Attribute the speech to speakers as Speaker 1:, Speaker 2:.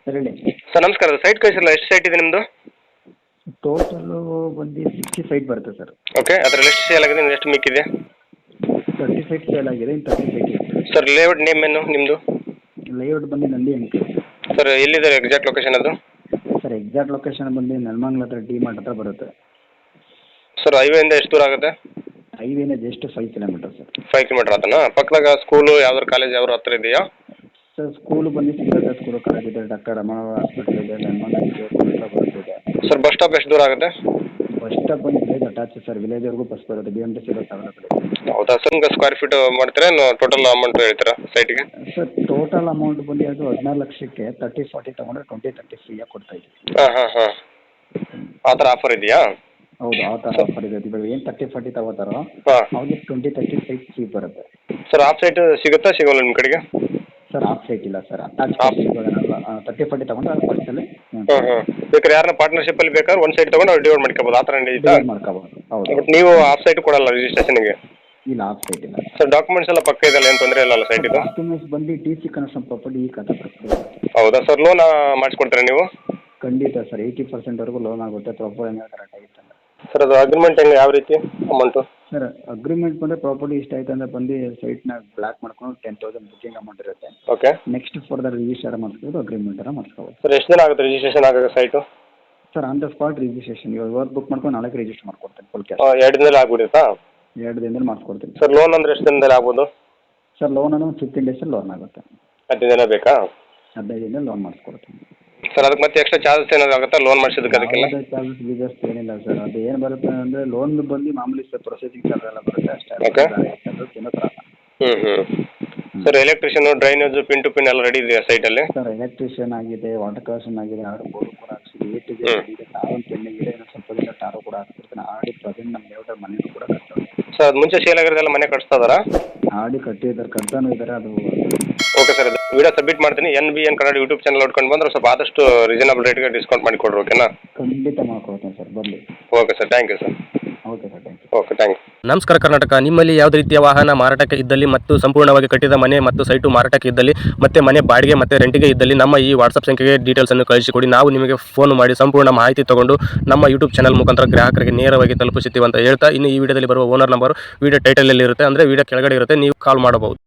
Speaker 1: Sir ಹೇಳಿ.
Speaker 2: Sir ನಮಸ್ಕಾರ. Site ಕಳಿಸಿರಲ್ಲ, ಎಷ್ಟು ಸೈಟ್ ಇದೆ ನಿಮ್ಮದು?
Speaker 1: ಟೋಟಲು ಬಂದು 60 ಫೈಟ್ ಬರುತ್ತೆ ಸರ್.
Speaker 2: ಓಕೆ, ಅದರಲ್ಲಿ ಎಷ್ಟು ಸೇಲ್ ಆಗಿದೆ, ಎಷ್ಟು ಮಿಕ್ಕಿದೆ?
Speaker 1: 30 ಫೈಟ್ ಸೇಲ್ ಆಗಿದೆ, ಇನ್ನು 30 ಫೈಟ್ ಇದೆ.
Speaker 2: ಸರ್ ಲೇಔಟ್ ನೇಮ್ ಏನು ನಿಮ್ಮದು?
Speaker 1: ಲೇಔಟ್ ಬಂದು ನಂದಿ ಅಂಕಲ್.
Speaker 2: ಸರ್ ಎಲ್ಲಿದೆ ಎಕ್ಸಾಕ್ಟ್ ಲೊಕೇಶನ್ ಅದು?
Speaker 1: ಸರ್ ಎಕ್ಸಾಕ್ಟ್ ಲೊಕೇಶನ್ ಬಂದು ನೆಲಮಂಗಲ ಹತ್ರ ಡಿ ಮಾರ್ಟ್ ಹತ್ರ ಬರುತ್ತೆ.
Speaker 2: ಸರ್ ಹೈವೇಯಿಂದ ಎಷ್ಟು ದೂರ ಆಗುತ್ತೆ?
Speaker 1: ಹೈವೇನ ಜಸ್ಟ್ 5 ಕಿಲೋಮೀಟರ್ ಸರ್.
Speaker 2: 5 ಕಿಲೋಮೀಟರ್ ಆತನಾ? ಪಕ್ಕದಾಗ ಸ್ಕೂಲು ಯಾವ್ದಾರು ಕಾಲೇಜ್ ಯಾವ್ದಾರು ಹತ್ರ ಇದೆಯಾ?
Speaker 1: ಸರ್ ಸ್ಕೂಲು ಬಂದು ಸಿದ್ಧಾರ್ಥ ಸ್ಕೂಲು ಕಾಲೇಜ್ ಇದೆ, ಡಾಕ್ಟರ್ ರಮಣವ ಹಾಸ್ಪಿಟಲ್ ಇದೆ, ನೆಲಮಂಗಲ ಹತ್ರ ಬರುತ್ತೆ.
Speaker 2: ಸರ್ ಬಸ್ ಸ್ಟಾಪ್ ಎಷ್ಟು ದೂರ ಆಗುತ್ತೆ?
Speaker 1: ಬಸ್ ಸ್ಟಾಪ್ ಬಂದು ವಿಲೇಜ್ ಅಟ್ಯಾಚ್ ಸರ್, ವಿಲೇಜ್ವರೆಗೂ ಬಸ್ ಬರುತ್ತೆ. BMTC ಬಸ್ ಅವೈಲೇಬಲ್ ಇದೆ.
Speaker 2: ಹೌದಾ ಸರ್? ನಿಮ್ಗೆ ಸ್ಕ್ವೇರ್ ಫೀಟ್ ಮಾಡ್ತೀರಾ, ಟೋಟಲ್ ಅಮೌಂಟ್ ಹೇಳ್ತೀರಾ ಸೈಟ್ಗೆ?
Speaker 1: ಸರ್ ಟೋಟಲ್ ಅಮೌಂಟ್ ಬಂದು ಅದು 14 ಲಕ್ಷಕ್ಕೆ 30-40 ತೊಗೊಂಡ್ರೆ 20-30 ಫ್ರೀಯಾಗಿ ಕೊಡ್ತಾ ಇದ್ದೀವಿ.
Speaker 2: ಹಾಂ ಆ ಥರ ಆಫರ್ ಇದೆಯಾ?
Speaker 1: ಹೌದು, ಆ ಥರ ಆಫರ್ ಇದೆ. ಇವಾಗ ಏನು 30-40 ತಗೋತಾರೋ
Speaker 2: ಹಾಂ,
Speaker 1: ಅವ್ರಿಗೆ 20-30 ಸೈಟ್ ಫ್ರೀ ಬರುತ್ತೆ.
Speaker 2: ಸರ್ ಆಫ್ ಸೈಟ್ ಸಿಗುತ್ತಾ ಸಿಗೋಲ್ಲ ನಿಮ್ಮ ಕಡೆಗೆ?
Speaker 1: ಸರ್ ಆಫ್ ಸೈಟ್ ಇಲ್ಲ ಸರ್, ಅಟ್ಯಾಚ್ ಇವಾಗ 30-40 ತಗೊಂಡ್ರೆ ಅದು ಫಸ್ಟಲ್ಲಿ
Speaker 2: ಬೇಕಾದ್ರೆ ಯಾರನ್ನ ಪಾರ್ಟ್ನರ್ಶಿಪ್ಪಲ್ಲಿ ಬೇಕಾದ್ರೆ ಒಂದು ಸೈಟ್ ತೊಗೊಂಡು ಅವ್ರು ಡಿವೈಡ್ ಮಾಡ್ಕೋಬೋದು, ಆ ಥರ ನಡೀತಾ?
Speaker 1: ಮಾಡ್ಕೋಬೋದು. ಹೌದು,
Speaker 2: ಬಟ್ ನೀವು ಆಫ್ ಸೈಟ್ ಕೊಡಲ್ಲ ರಿಜಿಸ್ಟ್ರೇಷನ್ಗೆ?
Speaker 1: ಇಲ್ಲ, ಆಫ್ ಸೈಟ್ ಇಲ್ಲ
Speaker 2: ಸರ್. ಡಾಕ್ಯುಮೆಂಟ್ಸ್ ಎಲ್ಲ ಪಕ್ಕ ಇದೆಯಲ್ಲ, ಏನು ತೊಂದರೆ ಇಲ್ಲ ಸೈಟ್ ಇದು?
Speaker 1: ಡಾಕ್ಯುಮೆಂಟ್ಸ್ ಬಂದು TC ಕನ್ಸ್ಟ್ರಕ್ಷನ್ ಪ್ರಾಪರ್ಟಿ ಈ ಕಥೆ
Speaker 2: ಹೌದಾ ಸರ್? ಲೋನ್ ಮಾಡಿಸ್ಕೊಡ್ತೀರಾ ನೀವು?
Speaker 1: ಖಂಡಿತ ಸರ್, 80%ವರೆಗೂ ಲೋನ್ ಆಗುತ್ತೆ, ಪ್ರಾಪರ್ ಏನಾದ್ರು ಕರೆಕ್ಟ್ ಆಗಿತ್ತು ಅಂದರೆ.
Speaker 2: ಸರ್ ಅದು ಅಗ್ರಿಮೆಂಟ್ ಹೆಂಗೆ, ಯಾವ ರೀತಿ ಅಮೌಂಟು?
Speaker 1: ಸರ್ ಅಗ್ರಿಮೆಂಟ್ ಬಂದರೆ ಪ್ರಾಪರ್ಟಿ ಇಷ್ಟ ಆಯ್ತು ಅಂದರೆ ಬಂದು ಸೈಟ್ನ ಬ್ಲಾಕ್ ಮಾಡ್ಕೊಂಡು 10,000 ಬುಕಿಂಗ್ ಅಮೌಂಟ್ ಇರುತ್ತೆ.
Speaker 2: ಓಕೆ.
Speaker 1: ನೆಕ್ಸ್ಟ್ ಫರ್ದರ್ ರಿಜಿಸ್ಟರ್ ಮಾಡಿಸ್ಬೋದು, ಅಗ್ರಿಮೆಂಟನ್ನು ಮಾಡಿಸ್ಕೋಬೋದು.
Speaker 2: ಸರ್ ಎಷ್ಟು ದಿನ ಆಗುತ್ತೆ ರಿಜಿಸ್ಟ್ರೇಷನ್ ಆಗೋದು site?
Speaker 1: Sir on the spot registration, ಇವಾಗ ವರ್ಕ್ ಬುಕ್ ಮಾಡ್ಕೊಂಡು ನಾಳೆ ರಿಜಿಸ್ಟರ್ ಮಾಡ್ಕೊಡ್ತೀನಿ ಫುಲ್ ಕ್ಯಾಶ್.
Speaker 2: 2 ದಿನದಲ್ಲಿ ಆಗ್ಬಿಡುತ್ತಾ?
Speaker 1: 2 ದಿನದಲ್ಲಿ ಮಾಡಿಸ್ಕೊಡ್ತೀನಿ.
Speaker 2: ಸರ್ ಲೋನ್ ಅಂದರೆ ಎಷ್ಟು ದಿನದಲ್ಲಿ ಆಗ್ಬೋದು?
Speaker 1: ಸರ್ ಲೋನ್ ಅನ್ನೋ 15 ಡೇಸಲ್ಲಿ ಲೋನ್ ಆಗುತ್ತೆ.
Speaker 2: 15 ದಿನ ಬೇಕಾ?
Speaker 1: 15 ದಿನದಲ್ಲಿ ಲೋನ್ ಮಾಡಿಸ್ಕೊಡ್ತೀನಿ.
Speaker 2: ಸರ್ ಅದಕ್ಕೆ ಮತ್ತೆ ಎಕ್ಸ್ಟ್ರಾ ಚಾರ್ಜಸ್ ಏನಾದ್ರು ಆಗುತ್ತಾ ಲೋನ್ ಮಾಡಿಸೋದಕ್ಕೆ? ಅದಕ್ಕೆಲ್ಲ
Speaker 1: ಚಾರ್ಜಸ್ ಗೀಜಸ್ ಏನಿಲ್ಲ ಸರ್. ಅದು ಏನು ಬರುತ್ತೆ ಅಂದರೆ ಲೋನ್ ಬಂದು ಮಾಮೂಲಿ ಸರ್ ಪ್ರೊಸೆಸಿಂಗ್ ಚಾರ್ಜ್ ಎಲ್ಲ ಬರುತ್ತೆ ಅಷ್ಟೇ.
Speaker 2: ಓಕೆ.
Speaker 1: ಏನೋ ಥರ.
Speaker 2: Sir electrician, drainage, pin to pin ಎಲ್ಲ ರೆಡಿ ಇದೆಯಾ ಸೈಟಲ್ಲಿ?
Speaker 1: ಸರ್ ಎಲೆಕ್ಟ್ರಿಷಿಯನ್ ಆಗಿದೆ, ವಾಟರ್ ಕನೆಕ್ಷನ್ ಆಗಿದೆ, ಬೋರ್ಡ್ ಕೂಡ ಹಾಕ್ಸಿದೆ, ಇದೆ ಟಾರು ಪೆಂಡಿಂಗ್ ಇದೆ. ಇನ್ನೂ ಸ್ವಲ್ಪ ದಿನ ಟಾರು ಕೂಡ ಹಾಕ್ಬಿಡ್ತೀನಿ. ಪ್ರೆಸೆಂಟ್ ನಮ್ಮ ಲೇಔಟಲ್ಲಿ ಮನೇನು ಕೂಡ ಕಟ್ತಾರೆ.
Speaker 2: ಸರ್ ಅದು ಮುಂಚೆ ಸೇಲ್ ಆಗಿರೋದೆಲ್ಲ ಮನೆ ಕಟ್ಸ್ತಾ ಇದ್ದಾರಾ?
Speaker 1: ಕಟ್ಟಿದ್ದಾರೆ, ಕಟ್ತಾನೂ ಇದ್ದಾರೆ. ಅದು
Speaker 2: ಓಕೆ ಸರ್, ಅದು ವಿಡಿಯೋ ಸಬ್ಮಿಟ್ ಮಾಡ್ತೀನಿ. NBN ಕನ್ನಡ ಯೂಟ್ಯೂಬ್ ಚಾನಲ್ ನೋಡ್ಕೊಂಡು ಬಂದ್ರೆ ಸ್ವಲ್ಪ ಆದಷ್ಟು ರೀಸನಬಲ್ ರೇಟ್ಗೆ ಡಿಸ್ಕೌಂಟ್ ಮಾಡಿ ಕೊಡ್ರಿ, ಓಕೆನಾ?
Speaker 1: ಖಂಡಿತ ಮಾಡ್ಕೊಡ್ತೀನಿ ಸರ್, ಬರಲಿ.
Speaker 2: Okay sir, thank you sir.
Speaker 1: Okay sir, thank you.
Speaker 2: Okay, thank you.
Speaker 3: ನಮಸ್ಕಾರ ಕರ್ನಾಟಕ. ನಿಮ್ಮಲ್ಲಿ ಯಾವುದೇ ರೀತಿಯ ವಾಹನ ಮಾರಾಟಕ್ಕೆ ಇದ್ದಲ್ಲಿ ಮತ್ತು ಸಂಪೂರ್ಣವಾಗಿ ಕಟ್ಟಿದ ಮನೆ ಮತ್ತು ಸೈಟು ಮಾರಾಟಕ್ಕೆ ಇದ್ದಲ್ಲಿ ಮತ್ತೆ ಮನೆ ಬಾಡಿಗೆ ಮತ್ತು ರೆಂಟಿಗೆ ಇದ್ದಲ್ಲಿ ನಮ್ಮ ಈ ವಾಟ್ಸಪ್ ಸಂಖ್ಯೆಗೆ ಡೀಟೇಲ್ಸನ್ನು ಕಳಿಸಿಕೊಡಿ. ನಾವು ನಿಮಗೆ ಫೋನ್ ಮಾಡಿ ಸಂಪೂರ್ಣ ಮಾಹಿತಿ ತಗೊಂಡು ನಮ್ಮ ಯೂಟ್ಯೂಬ್ ಚಾನಲ್ ಮುಖಾಂತರ ಗ್ರಾಹಕರಿಗೆ ನೇರವಾಗಿ ತಲುಪಿಸುತ್ತೀವಿ ಅಂತ ಹೇಳ್ತಾ, ಇನ್ನು ಈ ವಿಡಿಯೋದಲ್ಲಿ ಬರುವ ಓನರ್ ನಂಬರ್ ವಿಡಿಯೋ ಟೈಟಲಲ್ಲಿ ಇರುತ್ತೆ, ಅಂದರೆ ವಿಡಿಯೋ ಕೆಳಗಡೆ ಇರುತ್ತೆ, ನೀವು ಕಾಲ್ ಮಾಡಬಹುದು.